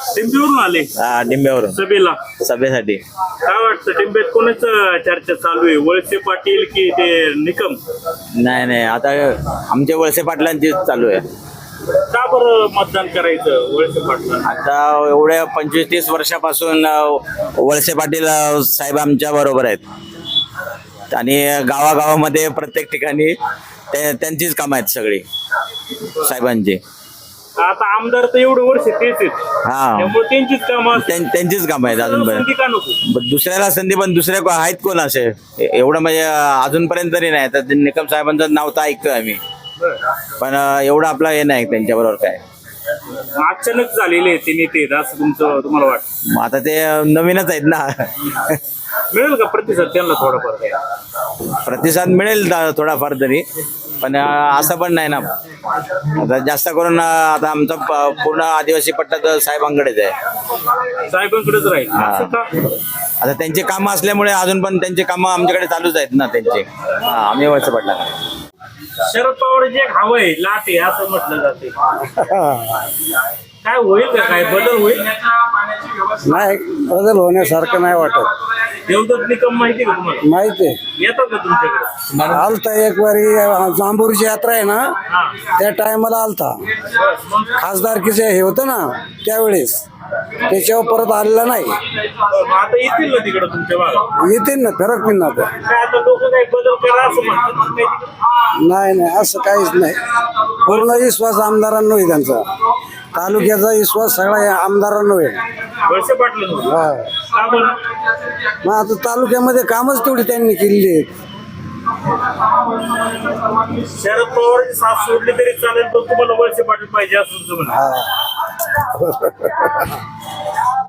डिंबीवरून आले डिंब्यावरून सभेला. सभेसाठी. काय वाटतं डिंबेत कोणाच चर्चा चालू आहे, वळसे पाटील की ते निकम? नाही नाही, आता आमच्या वळसे पाटलांची चालू आहे. का बरं मतदान करायचं वळसे पाटला? आता एवढ्या 25-30 वर्षापासून वळसे पाटील साहेब आमच्या बरोबर आहेत आणि गावागावामध्ये प्रत्येक ठिकाणी त्यांचीच कामं आहेत सगळी साहेबांची. आता आमदार तर एवढे वर्ष तेच आहेत, हा, त्यामुळे त्यांचीच कामं त्यांचीच कामं आहेत अजूनपर्यंत. संधी का नको? दुसऱ्याला संधी पण दुसऱ्या आहेत कोण असे एवढं म्हणजे अजूनपर्यंत तरी नाही. तर निकम साहेबांचं नाव तर ऐकतोय आम्ही, पण एवढं आपलं हे नाही त्यांच्याबरोबर काय. अचानक झालेले ते नेते असं तुम्हाला वाटतं? मग आता ते नवीनच आहेत ना. मिळेल का प्रतिसाद त्यांना थोडाफार? प्रतिसाद मिळेल थोडाफार तरी, पण असं पण नाही ना. आता जास्त करून आता आमचा पूर्ण आदिवासी पट्टा तर साहेबांकडेच आहे. साहेबांकडेच राहील असं का? आता त्यांची कामं असल्यामुळे अजून पण त्यांची कामं आमच्याकडे चालूच आहेत ना त्यांची. आम्ही वळसे पडला. शरद पवार जे एक हवं आहे लाट आहे असं म्हटलं जाते, काय होईल का, काय बदल होईल? नाही, बदल होण्यासारखं नाही वाटत. देवदत्त निकम माहिती का तुम्हाला? माहिती आहे, येतात का तुमच्याकडे? आलता एक वारी जांभूरची यात्रा आहे ना, हा. त्या टायमाला आलता. मग खासदारकीचे हे होतं ना त्यावेळेस, त्याच्यावर परत आलेला नाही. आता येतील ना तिकडे तुमच्या भागात? येतील ना, फरक नाही ना आता. काय आता लोक काही बदल करा असं म्हणतात काही तिकडे? नाही नाही, असं काहीच नाही. पूर्ण विश्वास आमदारांनो आहे त्यांचा. तालुक्याचा विश्वास सगळा या आमदारांनो आहे. वळसे पाटील हा. का बरं? मग आता तालुक्यामध्ये कामच तेवढी त्यांनी केलेली आहेत. शरद पवारची साथ सोडली तरी चालेल, पण तुम्हाला वळसे पाटील पाहिजे असं तुमचं म्हणणं. हा.